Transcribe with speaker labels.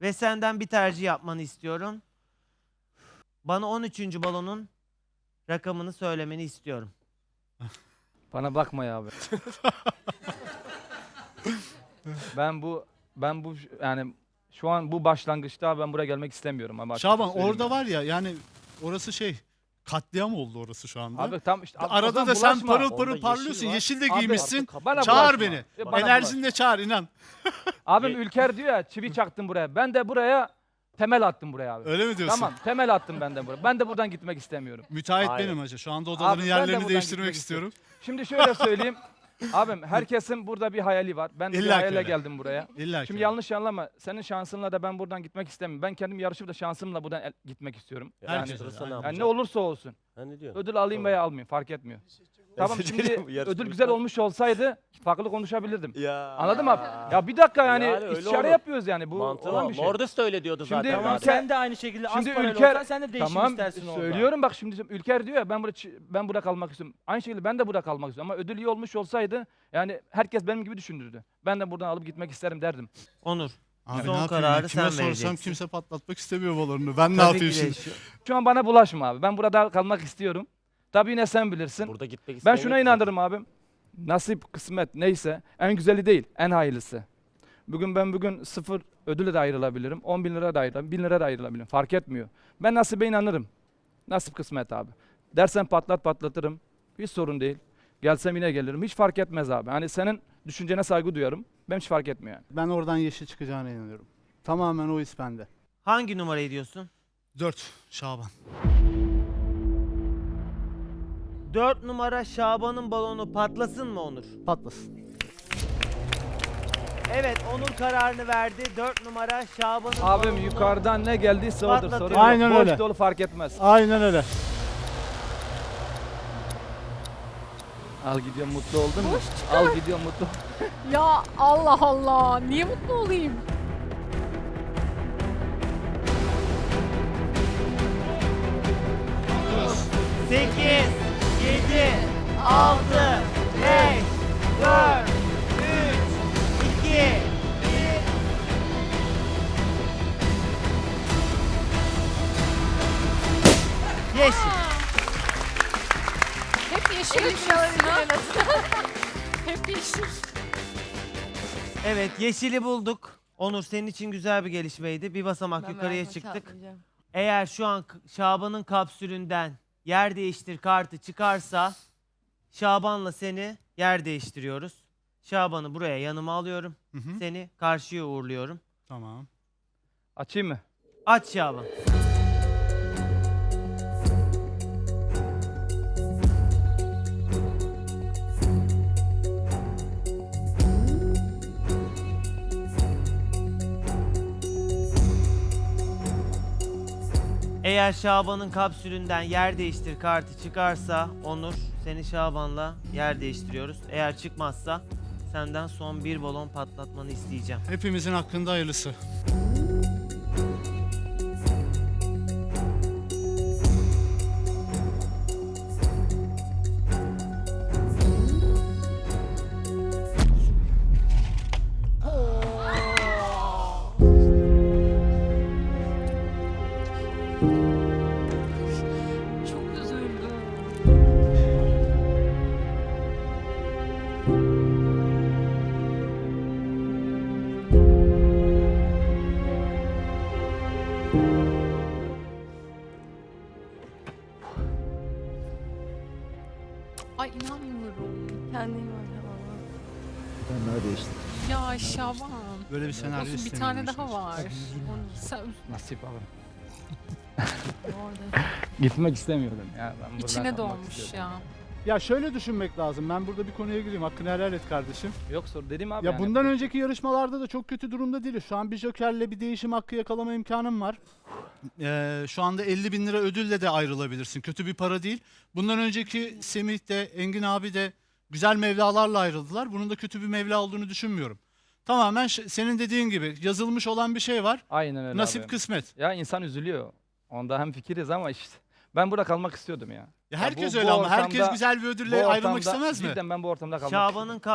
Speaker 1: Ve senden bir tercih yapmanı istiyorum. Bana 13. balonun rakamını söylemeni istiyorum.
Speaker 2: Bana bakma ya abi. ben bu yani şu an bu başlangıçta ben buraya gelmek istemiyorum ama
Speaker 3: Şaban
Speaker 2: söyleyeyim
Speaker 3: orada
Speaker 2: yani.
Speaker 3: var ya yani orası katliam oldu orası şu anda.
Speaker 2: Abi tam işte
Speaker 3: Arada
Speaker 2: Ozan
Speaker 3: da sen
Speaker 2: bulaşma.
Speaker 3: parıl
Speaker 4: Onda
Speaker 3: parıl
Speaker 4: yeşil
Speaker 3: parlıyorsun.
Speaker 4: var.
Speaker 3: Yeşil de
Speaker 2: Abi,
Speaker 3: giymişsin.
Speaker 2: bana
Speaker 3: Çağır
Speaker 2: bulaşma.
Speaker 3: beni.
Speaker 2: Bana
Speaker 3: Enerjinle çağır inan.
Speaker 2: Abim Ülker diyor ya çivi çaktım buraya. Ben de buraya temel attım buraya abi.
Speaker 3: Öyle mi diyorsun?
Speaker 2: Tamam temel attım ben de buraya. Ben de buradan gitmek istemiyorum.
Speaker 3: Müteahhit
Speaker 4: Hayır.
Speaker 3: benim hacı. Şu anda odaların
Speaker 2: Abi, ben de
Speaker 3: yerlerini
Speaker 2: buradan
Speaker 3: değiştirmek
Speaker 2: gitmek
Speaker 3: istiyorum.
Speaker 2: Şimdi şöyle söyleyeyim. Abim herkesin burada bir hayali var. Ben de bir
Speaker 3: İlla ki
Speaker 2: hayale
Speaker 3: öyle.
Speaker 2: geldim buraya.
Speaker 3: İlla ki.
Speaker 2: Şimdi yanlış anlama. Senin şansınla da ben buradan gitmek istemiyorum. Ben kendim yarışıp da şansımla buradan gitmek istiyorum.
Speaker 3: Herkes
Speaker 2: Yani,
Speaker 3: öyle,
Speaker 4: ne
Speaker 3: aynen.
Speaker 2: yani ne olursa olsun.
Speaker 4: Ha ne diyorsun?
Speaker 2: Ödül alayım
Speaker 4: Tamam.
Speaker 2: veya almayayım fark etmiyor. Tamam
Speaker 4: Özür
Speaker 2: şimdi
Speaker 4: dilerim, yarışma
Speaker 2: ödül güzel
Speaker 4: bitmez.
Speaker 2: olmuş olsaydı farklı konuşabilirdim.
Speaker 4: Ya.
Speaker 2: Anladın mı abi? Ya bir dakika yani,
Speaker 4: Yani öyle
Speaker 2: istişare
Speaker 4: olur.
Speaker 2: yapıyoruz yani bu
Speaker 4: Mantığı
Speaker 2: olan
Speaker 4: o.
Speaker 2: bir şey.
Speaker 4: Mordes de öyle diyordu
Speaker 2: Şimdi
Speaker 4: zaten.
Speaker 2: Tamam,
Speaker 4: abi.
Speaker 5: Sen de aynı şekilde
Speaker 2: Şimdi
Speaker 5: az parayla
Speaker 2: Ülker-
Speaker 5: olsan sen de değişim
Speaker 2: Tamam
Speaker 5: istersin orada.
Speaker 2: söylüyorum bak şimdi Ülker diyor ya ben burada kalmak istiyorum. Aynı şekilde ben de burada kalmak istiyorum ama ödül iyi olmuş olsaydı yani herkes benim gibi düşünürdü. Ben de buradan alıp gitmek isterim derdim.
Speaker 1: Onur.
Speaker 3: Abi
Speaker 1: Son
Speaker 3: ne yapayım
Speaker 1: kararı
Speaker 3: ya? Kime
Speaker 1: sen
Speaker 3: sorsam
Speaker 1: vereceksin.
Speaker 3: kimse patlatmak istemiyor balonunu. Ben ne
Speaker 1: Tabii
Speaker 3: yapayım
Speaker 1: ki de
Speaker 3: şimdi?
Speaker 2: Şu an bana bulaşma abi. Ben burada kalmak istiyorum. Tabii yine sen bilirsin.
Speaker 4: Burada gitmek
Speaker 2: Ben
Speaker 4: isteyen
Speaker 2: şuna
Speaker 4: yok
Speaker 2: inanırım abim. Nasip, kısmet neyse en güzeli değil, en hayırlısı. Bugün 0 ödüle de ayrılabilirim, 10 bin lira da ayrılabilirim, 1000 lira da ayrılabilirim. Fark etmiyor. Ben nasibe inanırım. Nasip kısmet abi. Dersen patlatırım. Hiç sorun değil. Gelsem yine gelirim. Hiç fark etmez abi. Hani senin düşüncene saygı duyarım. Ben hiç fark etmiyor yani.
Speaker 3: Ben oradan yeşil çıkacağına inanıyorum. Tamamen o his bende.
Speaker 1: Hangi numarayı diyorsun?
Speaker 3: 4 Şaban.
Speaker 1: 4 numara Şaban'ın balonu patlasın mı Onur?
Speaker 3: Patlasın.
Speaker 1: Evet, Onur kararını verdi. 4 numara Şaban'ın
Speaker 2: Abim
Speaker 1: balonunu-
Speaker 2: yukarıdan ne geldiyse odur.
Speaker 1: Patlatıyor.
Speaker 2: Sorun yok.
Speaker 3: Aynen
Speaker 2: Boş
Speaker 3: öyle.
Speaker 2: dolu fark etmez.
Speaker 3: Aynen öyle.
Speaker 2: Al gidiyor mutlu oldun mu?
Speaker 6: Boş çıkar.
Speaker 2: Al gidiyor mutlu.
Speaker 6: Ya Allah Allah. Niye mutlu olayım?
Speaker 1: Sekiz, 7, 6, 5, 4, 3, 2, 1. Yeşil.
Speaker 6: Hep yeşil düşünüyorsun ha? Hep yeşil.
Speaker 1: Evet, yeşili bulduk. Onur senin için güzel bir gelişmeydi. Bir basamak yukarıya çıktık. Eğer şu an Şaban'ın kapsülünden yer değiştir kartı çıkarsa Şaban'la seni yer değiştiriyoruz. Şaban'ı buraya yanıma alıyorum.
Speaker 3: Hı hı.
Speaker 1: Seni karşıya uğurluyorum.
Speaker 3: Tamam.
Speaker 2: Açayım mı?
Speaker 1: Aç Şaban. Eğer Şaban'ın kapsülünden yer değiştir kartı çıkarsa Onur seni Şaban'la yer değiştiriyoruz. Eğer çıkmazsa senden son bir balon patlatmanı isteyeceğim.
Speaker 3: Hepimizin hakkında hayırlısı.
Speaker 6: Çok üzüldüm. Ay inanmıyorum.
Speaker 7: Kendine iyi bak ama.
Speaker 8: Ben neredeyse.
Speaker 6: Ya Şaban.
Speaker 3: Böyle bir senaryo
Speaker 6: Olsun bir
Speaker 3: istemiyorum
Speaker 6: tane
Speaker 3: işin
Speaker 6: daha
Speaker 3: açıkçası.
Speaker 6: var. Sen
Speaker 2: Nasip abi.
Speaker 6: orada.
Speaker 2: Gitmek istemiyordum ya. Ben buradan
Speaker 6: İçine
Speaker 2: kalmak
Speaker 6: doğmuş
Speaker 2: istiyordum.
Speaker 6: ya.
Speaker 3: Ya şöyle düşünmek lazım. Ben burada bir konuya gireyim. Hakkını helal et kardeşim.
Speaker 2: Yok sor dedim abi.
Speaker 3: Ya
Speaker 2: yani.
Speaker 3: bundan önceki yarışmalarda da çok kötü durumda değiliz. Şu an bir jokerle bir değişim hakkı yakalama imkanım var. Şu anda 50 bin lira ödülle de ayrılabilirsin. Kötü bir para değil. Bundan önceki Semih de Engin abi de güzel mevlalarla ayrıldılar. Bunun da kötü bir mevla olduğunu düşünmüyorum. Tamamen senin dediğin gibi yazılmış olan bir şey var.
Speaker 2: Aynen öyle
Speaker 3: Nasip
Speaker 2: abi.
Speaker 3: kısmet.
Speaker 2: Ya insan üzülüyor. Onda hem fikiriz ama işte. Ben burada kalmak istiyordum ya.
Speaker 3: Ya herkes
Speaker 2: bu
Speaker 3: öyle ama herkes
Speaker 2: ortamda-
Speaker 3: güzel bir
Speaker 2: Bu
Speaker 3: ödülle ayrılmak
Speaker 2: ortamda-
Speaker 3: istemez mi?
Speaker 2: Cidden ben bu ortamda kalmak
Speaker 1: Şaban'ın